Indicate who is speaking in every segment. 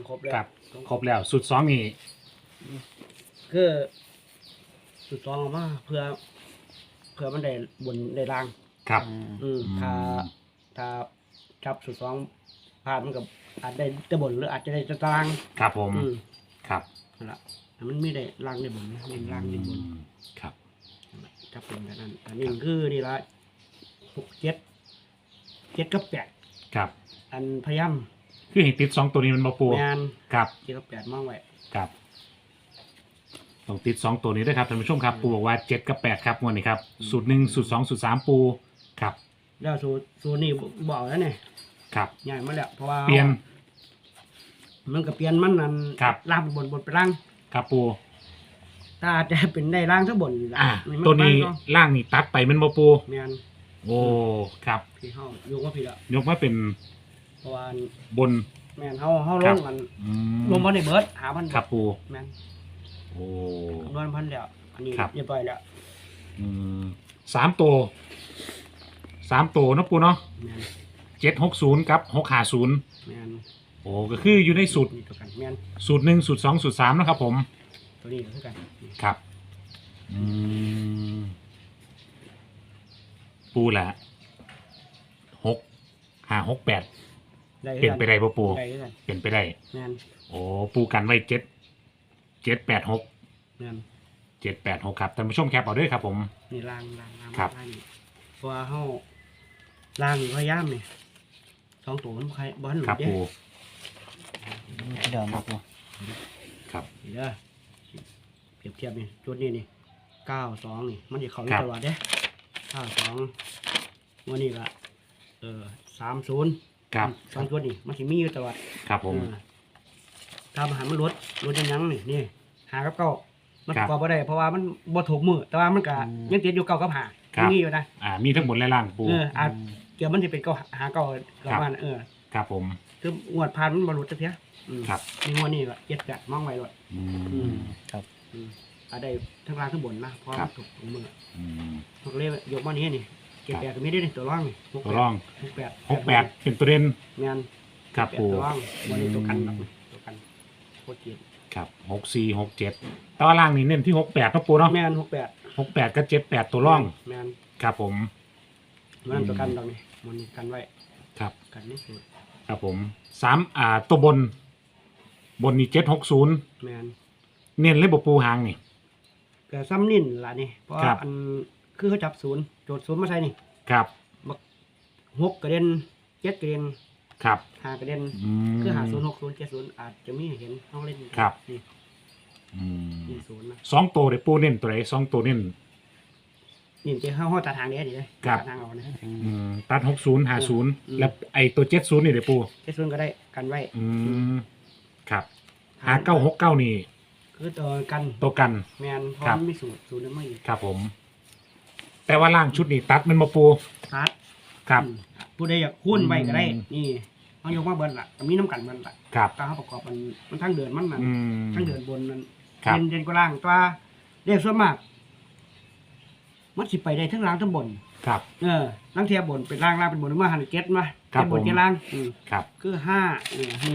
Speaker 1: ครบแล้ว
Speaker 2: ครับครบแล้วสุดสองนี่
Speaker 1: คือสุดสองออกมาเพื่อมันได้บนได้ล่าง
Speaker 2: ครับ
Speaker 1: ถ้าจับสุดสองผ่านมันกับอาจได้แต่บนหรืออาจจะได้แต่ตาราง
Speaker 2: ครับผม
Speaker 1: อืม
Speaker 2: ครับ
Speaker 1: นั่นละแต่มันไม่ได้ล่างได้บนนะเน้นล่างได้บน
Speaker 2: ครับ
Speaker 1: จับเป็นแบบนั้นอันนี้คือนี่ละ7กับ8
Speaker 2: ครับ
Speaker 1: อันพยายาม
Speaker 2: คือให้ติดสองตัวนี้มันมาปู
Speaker 1: งาน
Speaker 2: ครับ
Speaker 1: 7กับ8มองไว้
Speaker 2: ครับต้องติดสองตัวนี้ด้วยครับท่านผู้ชมครับปูบอกว่า7กับ8ครับงวดนี้ครับสูตร1สูตร2สูตร3ปูครับ
Speaker 1: แล้วสูตรนี่บอกแล้วเนี่ย
Speaker 2: ครับ
Speaker 1: ใหญ่มาแล้วเพราะว่า
Speaker 2: เปลี่ยน
Speaker 1: มันก็เปลี่ยนมันนั่น
Speaker 2: ครับ
Speaker 1: ล่างเป็นบนไปล่าง
Speaker 2: ครับปู
Speaker 1: ถ้าอาจจะเป็นได้ล่างทั้งบนล่ะมั
Speaker 2: ตัวนี้
Speaker 1: ก็
Speaker 2: ล่างนี่ตัดไปมันมาปู
Speaker 1: แม่น
Speaker 2: โอ้ครับ
Speaker 1: พี่เฮาโยกว่าพี่ละ
Speaker 2: ยกมาเป็น
Speaker 1: เพราะว่า
Speaker 2: บน
Speaker 1: แม่นเฮาล
Speaker 2: ครับ
Speaker 1: งกัน
Speaker 2: อืม
Speaker 1: ลงมาในเบิด5,000
Speaker 2: ครับปู
Speaker 1: แม่น
Speaker 2: โอ้
Speaker 1: คำนวณพันแล้วอันนี้
Speaker 2: ครับ
Speaker 1: เรียบร้อยแล้ว
Speaker 2: อืม3 ตัวเนาะปูเนาะ
Speaker 1: แม่น
Speaker 2: 760กับ650
Speaker 1: แม่น
Speaker 2: โอ้ก็คืออยู่ในสูตร
Speaker 1: นี่ตัวกันแม่น
Speaker 2: สูตร1สูตร2สูตร3นะครับผม
Speaker 1: ตัวนี้ก็คือกัน
Speaker 2: ครับปูละ6 5 6 8
Speaker 1: ได้คือ
Speaker 2: เป็น
Speaker 1: กัน
Speaker 2: ไปได้ปะปู
Speaker 1: ได้คือกัน
Speaker 2: เป็นไปได้
Speaker 1: แม่น
Speaker 2: โอ้ปูกันไว้7 8 6
Speaker 1: แม่น
Speaker 2: 7 8 6ครับท่านผู้ชมแคปเอาด้วยครับผม
Speaker 1: นี่ล่าง
Speaker 2: ครับ
Speaker 1: ล่างนี่เพราะว่าเฮาล่างนี่พยายามนี่สองตัวมันใครบ่ทันหลุ
Speaker 2: ครับ
Speaker 1: ดเด้
Speaker 2: ปู
Speaker 3: เดี๋ยวมาปู
Speaker 2: ครับ
Speaker 1: นี่เด้อเปรียบเทียบนี่จุดนี้นี่92นี่มันสิเข้าอยู่
Speaker 2: ครับ
Speaker 1: ตลอดเด้92วันนี้ก็30
Speaker 2: ครับ
Speaker 1: สองจุดนี่มันสิมีอยู่ตลอด
Speaker 2: ครับผม
Speaker 1: ถ้ามาหารมันลดยังนี่นี่หากับเก้ามัน
Speaker 2: ค
Speaker 1: ป
Speaker 2: รับ
Speaker 1: ระกอบบ่ได้เพราะว่ามันบ่ถูกมือแต่ว่ามันก็ยังติดอยู่เก้ากับหา
Speaker 2: ครับ
Speaker 1: มีอยู่นะ
Speaker 2: มีทั้งหมดและล่างปู
Speaker 1: อาจเกี่ยวมันสิเป็นเก้าหาเก้ากับมัน
Speaker 2: ครับผม
Speaker 1: คืองวดผ่านมันบ่รู้จักเพียอืม
Speaker 2: ครับ
Speaker 1: ในงวดนี้ก็7จัดมองไว้ด้วย
Speaker 3: ครับ
Speaker 1: อาได้ทั้งล่างทั้งบนนะเพราะ
Speaker 2: ครั
Speaker 1: มั
Speaker 2: บ
Speaker 1: นถูกมือ
Speaker 2: อืม
Speaker 1: พวกเลขยกมานี้นี่เก็บแปดก็มีได้นี่ตัวร่องนี่
Speaker 2: ตัวร่อง
Speaker 1: 68
Speaker 2: 68เป็นตัวเด่น
Speaker 1: แม่น
Speaker 2: ครับปู
Speaker 1: ตัวร่องวันนี้ตัวกันครับตัวกันโคตรเจ็บ
Speaker 2: ครับ64 67ตัวล่างนี่เน้นที่68ครับปูเนาะ
Speaker 1: แม่น68
Speaker 2: 68กับ78ตัวร่อง
Speaker 1: แม่น
Speaker 2: ครับผม
Speaker 1: มันตัวกันตรงนี้มันกันไว้
Speaker 2: ครับ
Speaker 1: กันนี่สุด
Speaker 2: ครับผมตัวบนนี่760
Speaker 1: แม่น
Speaker 2: เน้นเลยบ่ปูหางนี่
Speaker 1: ก็ซ้ำนิ่นล่ะนี่เพราะ
Speaker 2: ครับ
Speaker 1: อันคือเขาจับศูนย์โจทย์ศูนย์มาใส่นี่
Speaker 2: ครับ
Speaker 1: 6กระเด็น7กระเด็น
Speaker 2: ครับ
Speaker 1: 5กระเด็น
Speaker 2: ม
Speaker 1: คือ50 60 70อาจจะมีเห็นเฮาเล่น
Speaker 2: ครับ
Speaker 1: นี่
Speaker 2: อืม
Speaker 1: นี่ศูนย์นะ
Speaker 2: 2ตัวเด้ปูเน้นตัวไหน2ตัวเน้น
Speaker 1: นี่จะเฮาตัดทางเด้ดิ
Speaker 2: ครับ
Speaker 1: ตัดทางเอานะ
Speaker 2: ตัด60 50แล้วไอ้ตัว70นี่เด้ปู
Speaker 1: 70ก็ได้กันไว้
Speaker 2: ครับ5969นี่
Speaker 1: คือตัวกัน
Speaker 2: ตัวกัน
Speaker 1: แม่นเพราะ
Speaker 2: ครับ
Speaker 1: มันมีศูนย์นั้นมาอีก
Speaker 2: ครับผม แต่ว่าล่างชุดนี้ตัดมันมาปู
Speaker 1: ตัด
Speaker 2: ครับ
Speaker 1: ผู้ใดอยากคูณไว้ก็ได้
Speaker 2: อืม
Speaker 1: นี่เฮายกมาเบิ่นล่ะก็มีน้ำกันเบิ่นล่ะ
Speaker 2: ครับ
Speaker 1: ถ้าเฮาประกอบมันทั้งเดือนมันนั่น
Speaker 2: อืม
Speaker 1: ทั้งเดือนบนนั่น
Speaker 2: ครับ
Speaker 1: เด่นกว่าล่างตัวเรียกส่วนมากมันสิไปได้ทั้งล่างทั้งบน
Speaker 2: ครับ
Speaker 1: ล่างเทียบบนเป็นล่างเป็นบนมาหันเก็ตมา
Speaker 2: ครับ
Speaker 1: เก็ตบน
Speaker 2: ผม
Speaker 1: เก็ตล่าง
Speaker 2: ครับ
Speaker 1: คือ5นี่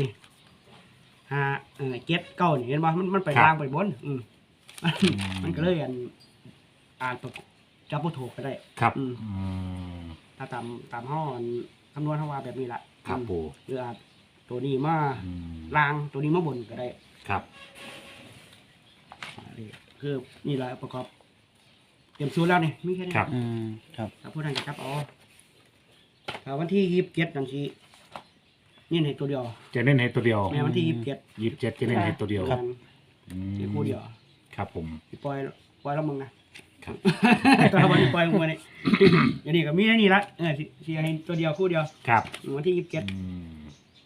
Speaker 1: 5เก็ตเก้านี่เห็นบ่มันไป
Speaker 2: ครับ
Speaker 1: ล่างไปบนมันก็เลยอ่านประกอบจับบ่ถูกก็ได้
Speaker 2: ครับ
Speaker 1: อืม
Speaker 2: อืม
Speaker 1: ถ้าตามห้อคำนวณเฮาว่าแบบนี้ล่ะ
Speaker 2: ครับปู
Speaker 1: หรืออาจตัวนี้มา
Speaker 2: อืม
Speaker 1: ล่างตัวนี้มาบนก็ได้
Speaker 2: ครับ
Speaker 1: นี่คือนี่แหละประกอบเตรียมสูตรแล้วนี่มีแค่นี้
Speaker 2: ครับ
Speaker 3: ครับ
Speaker 1: ถ้าผู้นั้นจะจับเอาถ้าวันที่27นั่นสินี่ในตัวเดียว
Speaker 2: จะเน้นให้ตัวเดียว
Speaker 1: แม่วันที่27
Speaker 2: 27จะเน้นให้ตัวเดียว
Speaker 1: ครับ
Speaker 2: อื
Speaker 1: ที่คู่เดียว
Speaker 2: ครับผม
Speaker 1: สิปล่อยแล้วมึงนะครับ ตอนวันนี้ปล่อยมึงนี่อย่างนี้ก็มีแค่นี้ละสิให้ตัวเดียวคู่เดียว
Speaker 2: ครับ
Speaker 1: วันที่
Speaker 2: อื
Speaker 1: 27
Speaker 2: ม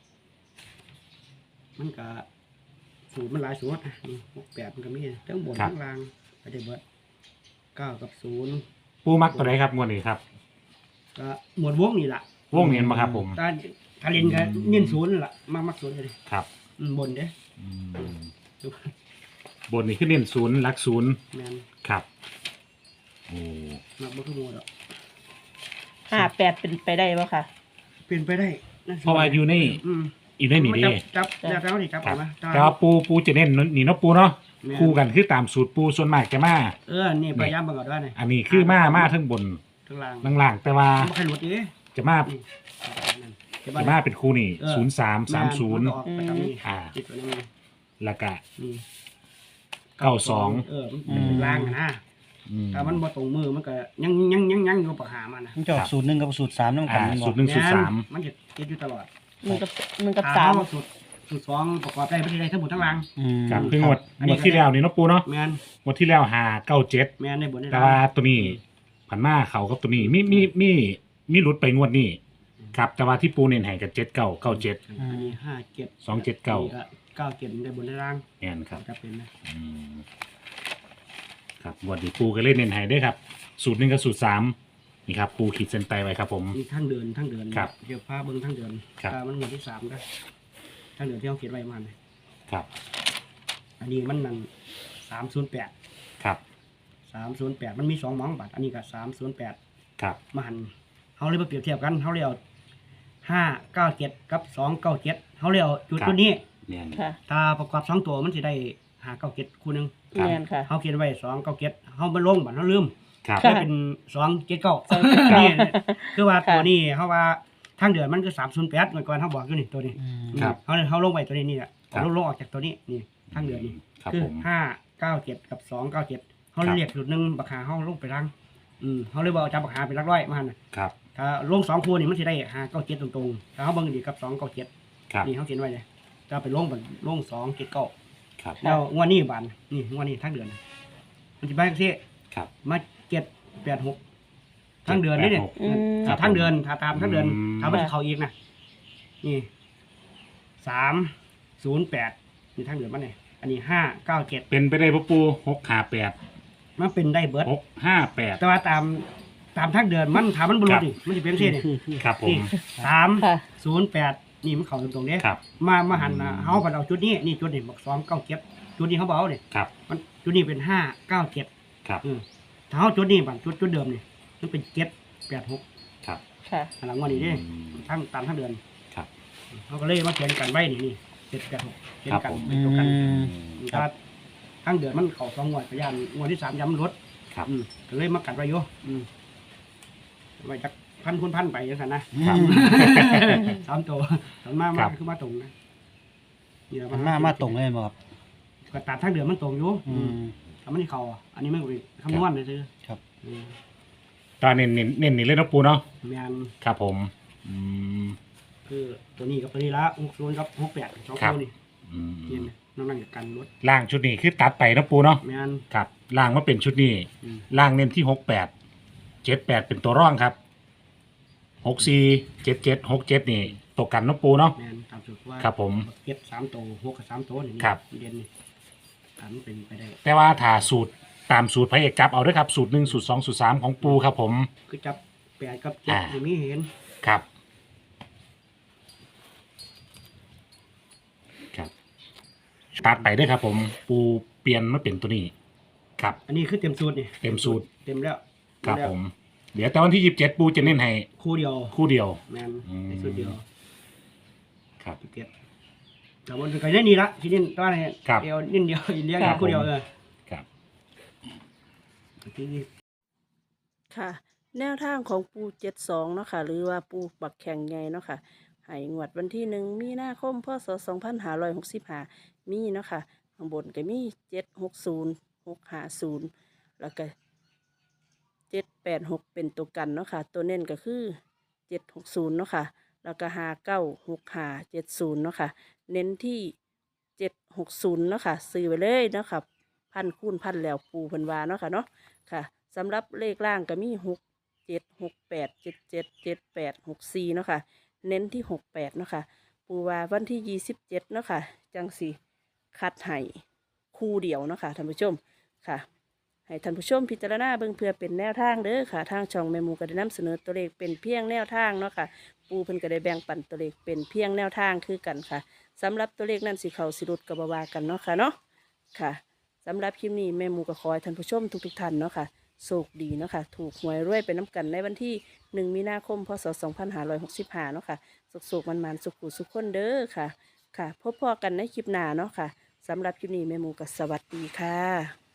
Speaker 1: มันก็สูตรมันหลายสูตรนี่68มันก็มีทั้งบนทั้งล่างไปได้เบิด9กับ0
Speaker 2: ปูมักตัวไหนครับงวดนี้ครับ
Speaker 1: ก็หมวดวงนี่ล่ะ
Speaker 2: วงเน้นมาครับผม
Speaker 1: ถ้าเล่นก็เน้นศูนย์นั่นล่ะมักศูนย์เลย
Speaker 2: ครับ
Speaker 1: บนเด้
Speaker 2: อืมบนนี่คือเน้น0หลัก0
Speaker 1: แม่น
Speaker 2: ครับโอ้
Speaker 1: มักบ่คือหมู่ดอก
Speaker 4: 58เป็นไปได้ป่ะค่ะ
Speaker 1: เป็นไปได้น
Speaker 2: เพราะว่าอยู่ใน
Speaker 1: อืม
Speaker 2: อีกได้หนีดี
Speaker 1: จับแล้วนี่จับ
Speaker 2: ครั
Speaker 1: เอา
Speaker 2: บ
Speaker 1: มา
Speaker 2: แต่ว่าปูจะเน้นนี่เนาะปูเนาะ
Speaker 1: แม่น
Speaker 2: คู่กันคือตามสูตรปูส่วนมากจะมา
Speaker 1: นี่พยายามเบิ่งเอาด้วยนี่
Speaker 2: อันนี้คือมาทั้งบน
Speaker 1: ข้างล่าง
Speaker 2: ล่างๆแต่ว่า
Speaker 1: บ่ค่อยหลุดดิ
Speaker 2: จะมา
Speaker 1: นี่จะ
Speaker 2: จะมาเป็นคู่นี่
Speaker 1: เออ
Speaker 2: 0330
Speaker 1: ออกไปตามนี้
Speaker 2: อ่า
Speaker 1: ติดตัวนี้
Speaker 2: แล้วก็
Speaker 1: นี่
Speaker 2: 92
Speaker 1: มันเป็นล่างนะ
Speaker 2: อืม
Speaker 1: ถ้ามันบ่ตรงมือมันก็ยังอยู่ปากหามันนะ
Speaker 3: มันจะออกสูตรหนึ่งกับสูตรสามน้ำกัน
Speaker 2: สูตรหนึ่ง สูตรสาม
Speaker 1: มันจะติดอยู่ตลอด
Speaker 4: 1 กับ
Speaker 1: ถ้
Speaker 4: 3
Speaker 1: เอสูตรสองประกอบได้ไม่ได้ทั้งหมดทั้งล่าง
Speaker 2: ครับคืองวดที่แล้วนี่เนาะปูเนาะ
Speaker 1: แม่น
Speaker 2: งวดที่แล้ว597
Speaker 1: แม่นได้บนได้
Speaker 2: แต่ว่าตัวนี้ผันมาเขากับตัวนี้มีหลุดไปงวดนี้ครับแต่ว่าที่ปูเน้นให้กับ7997
Speaker 1: อันนี้57
Speaker 2: 279
Speaker 1: 97ได้บนได้ล่าง
Speaker 2: แม่นครับ
Speaker 1: จะเป็นนะ
Speaker 2: อืมครับงวดนี้ปูก็เล่นเน้นให้ด้วยครับ สูตร1กับสูตร3นี่ครับปูขีดเส้นใต้ไว้ครับผม
Speaker 1: มีทั้งเดิน
Speaker 2: ครับ
Speaker 1: เดี๋ยวพาเบิ่งทั้งเดิน
Speaker 2: ครับ
Speaker 1: มันหมวดที่3ได้ทั้งเดินที่เขาเขียนไว้มาเนี่ย
Speaker 2: ครับ
Speaker 1: อันนี้มันนั่น308
Speaker 2: ครับ
Speaker 1: 308มันมี2หมองบัตรอันนี้ก็308
Speaker 2: ครับ
Speaker 1: มาหันเขาเลยมาเปรียบเทียบกันเขาเลยเอา597กับ297เขาเลยเอาจุดตัวนี้
Speaker 2: แม่น
Speaker 4: ค่ะ
Speaker 1: ถ้าประกอบ2ตัวมันสิได้597คู่หนึง
Speaker 2: ครับ
Speaker 4: แม่นค่ะ
Speaker 1: เขาเขียนไว้297เขาบ่ลงบัตรเขาลืม
Speaker 2: ครับ
Speaker 4: ค่ะ
Speaker 1: ได้เป็น279
Speaker 4: 279
Speaker 1: นี่คือว่า
Speaker 4: ค่ะ
Speaker 1: ตัวนี้เขาว่าทางเดือนมันคือ308เมื่อก่อนเขาบอกอยู่นี่ตัวนี้
Speaker 2: ครับ
Speaker 1: เขาลงไว้ตัวนี้นี่แหละ
Speaker 2: ครับ
Speaker 1: เขาลงออกจากตัวนี้นี่ทางเดือนนี่
Speaker 2: ครับ
Speaker 1: คือ
Speaker 2: ผม
Speaker 1: 597กับ297เขา
Speaker 2: ครับ
Speaker 1: เรียกจุดหนึงบักหาเขาลงไปรังเขาเลยบอกเอาจับบักหาเป็นหลักร้อยมาหั่นน่ะ
Speaker 2: ครับ
Speaker 1: ถ้าลง2คู่นี่มันสิได้597ตรงๆถ้าเขาเบิ่งดีกับ297
Speaker 2: ครับ
Speaker 1: นี่เขาเขียนไว้เลยถ้าไปลงบันลง279
Speaker 2: ครับ
Speaker 1: แล้วงวดนี้บานนี่งวดนี้ทางเดือนมันสิไปจังซี่
Speaker 2: ครับ
Speaker 1: มา786ทางเดือนนี่เนี่ย
Speaker 4: อืม
Speaker 2: ครับ
Speaker 1: ทางเดือนถ้าตามทางเดือน
Speaker 2: อืม
Speaker 1: ถ้ามันสิเข้าอีกนะนี่308นี่ทางเดือนมันนี่อันนี้597
Speaker 2: เป็นไปได้ปะปู658
Speaker 1: มันเป็นได้เบิด
Speaker 2: 658
Speaker 1: แต่ว่าตามทางเดือนมันถ้ามันบ่ลดนี่มันสิเป็นจังซี่นี่
Speaker 2: ครับผม
Speaker 1: นี่
Speaker 4: ค่ะ
Speaker 1: 308นี่มันเข้าตรงๆเด้
Speaker 2: ครับ
Speaker 1: มาหันนะเฮาก็เอาจุดนี้นี่จุดนี้บอก297จุดนี้เขาบอกเอานี่
Speaker 2: ครับ
Speaker 1: มันจุดนี้เป็น597
Speaker 2: ครับ
Speaker 1: ถ้าเฮาจุดนี้บัดจุดเดิมนี่มันเป็น786
Speaker 2: ครับ
Speaker 4: ค่ะ
Speaker 1: อันหลังวันนี้เด้
Speaker 2: อืม
Speaker 1: ทั้งตามทั้งเดือน
Speaker 2: ครับ
Speaker 1: เขาก็เลยมาเขียนกันไว้นี่786เขียน
Speaker 2: ครับ
Speaker 1: กัน
Speaker 2: ผม
Speaker 1: เป็นตัวกัน
Speaker 2: ครั
Speaker 1: ถ้า
Speaker 2: บ
Speaker 1: ทั้งเดือนมันเข้า2งวดพยานงวดที่3ย้ำลด
Speaker 2: ครับ
Speaker 1: ก็เลยมากัดไว้อยู่ไว้จักพันคูณพันไปจังซั่นนะ
Speaker 2: ครับ
Speaker 1: 3ตัวมันมา
Speaker 2: ครับ
Speaker 1: คือมาตรงนะนี่แหละ
Speaker 3: มันมาตรงเลยบ่ครับ
Speaker 1: ก็ตัดทั้งเดือนมันตรงอยู่ ถ้ามันเข้าอันนี้มันก็เป็นคำนวณเลยซื้อ
Speaker 3: ครับ
Speaker 2: ตอนเน้นนี่เลยเนาะปูเนาะ
Speaker 1: แมน
Speaker 2: ครับผมอืม
Speaker 1: คือตัวนี้กับตัวนี้ละ60กับ68สอง
Speaker 2: ครับ
Speaker 1: ตัวนี่
Speaker 2: อืม
Speaker 1: เห็นไหมน้องนั่งกันรถ
Speaker 2: ล่างชุดนี้คือตัดไปเนาะปูเนาะ
Speaker 1: แมน
Speaker 2: ครับล่างมาเป็นชุดนี้
Speaker 1: อืม
Speaker 2: ล่างเน้นที่68 78เป็นตัวร่องครับ64 77 67นี่ตกกันเนาะปูเนาะ
Speaker 1: แมนตามสุดว่า
Speaker 2: ครับผม
Speaker 1: เก็บ3ตัว6กับ3ตัวนี่
Speaker 2: ครับ
Speaker 1: เด่นนี่ถามเป็นไปได้
Speaker 2: แต่ว่าถ้าสูตรตามสูตรพระเอกจับเอาด้วยครับสูตร1สูตร2สูตร3ของปูครับผม
Speaker 1: คือจับ8กับ
Speaker 2: อ่า
Speaker 1: 7นี่มีเห็น
Speaker 2: ครับครับตัดไปด้วยครับผมปูเปลี่ยนมาเป็นตัวนี้ครับ
Speaker 1: อันนี้คือเต็มสูตรนี่
Speaker 2: เต็มสูตร
Speaker 1: เต็มแล้ว
Speaker 2: ครับ
Speaker 1: เต็แล้ว
Speaker 2: ผม เดี๋ยวแต่วันที่27ปูจะเน้นให้
Speaker 1: คู่เดียว
Speaker 2: คู่เดียว
Speaker 1: แมน
Speaker 2: อืม
Speaker 1: ในสูตรเดียว
Speaker 2: ครับ
Speaker 1: เก็บแต่วันก็ได้นี่ละที่นี่ตัวนี้
Speaker 2: ครับ
Speaker 1: เดียวนิดเดียวอีกเลี้ยง
Speaker 2: ครับ
Speaker 1: คู่เดียว
Speaker 2: ผม ครับ
Speaker 1: ที่นี่
Speaker 4: ค่ะ แนวทางของปู72เนาะค่ะ หรือว่าปูบักแข่งใหญ่เนาะค่ะให้งวดวันที่1มีนาคมพศ2565มีเนาะค่ะข้างบนก็มี760 650แล้วก็786เป็นตัวกันเนาะค่ะ ตัวเน้นก็คือ760เนาะค่ะ แล้วก็596570เนาะค่ะ เน้นที่760เนาะค่ะซื้อไปเลยเนาะค่ะพันคูณพันแล้วปูเพันวาเนาะค่ะเนาะค่ะสำหรับเลขล่างก็มี6768777864เนาะค่ะเน้นที่68เนาะค่ะปูว่าวันที่27เนาะค่ะจังสีคัดให้คู่เดียวเนาะค่ะท่านผู้ชมค่ะให้ท่านผู้ชมพิจารณาเบิ่งเพื่อเป็นแนวทางเด้อค่ะทางช่องแม่หมูก็ได้นำเสนอตัวเลขเป็นเพียงแนวทางเนาะค่ะปูเพิ่นก็ได้แบ่งปันตัวเลขเป็นเพียงแนวทางคือกันค่ะสำหรับตัวเลขนั้นสิเขาสิรุดกับบาวากันเนาะค่ะเนาะค่ะสำหรับคลิปนี้แม่หมูก็ขอให้ท่านผู้ชมทุกๆท่านเนาะค่ะโชคดีเนาะค่ะถูกหวยรวยไปน้ำกันในวันที่1 มีนาคมพศ2565เนาะค่ะสุกๆมันๆสุขๆคนเด้อค่ะค่ะพบพอกันในคลิปหน้าเนาะค่ะสำหรับคลิปนี้แม่หมูก็สวัสดีค่ะ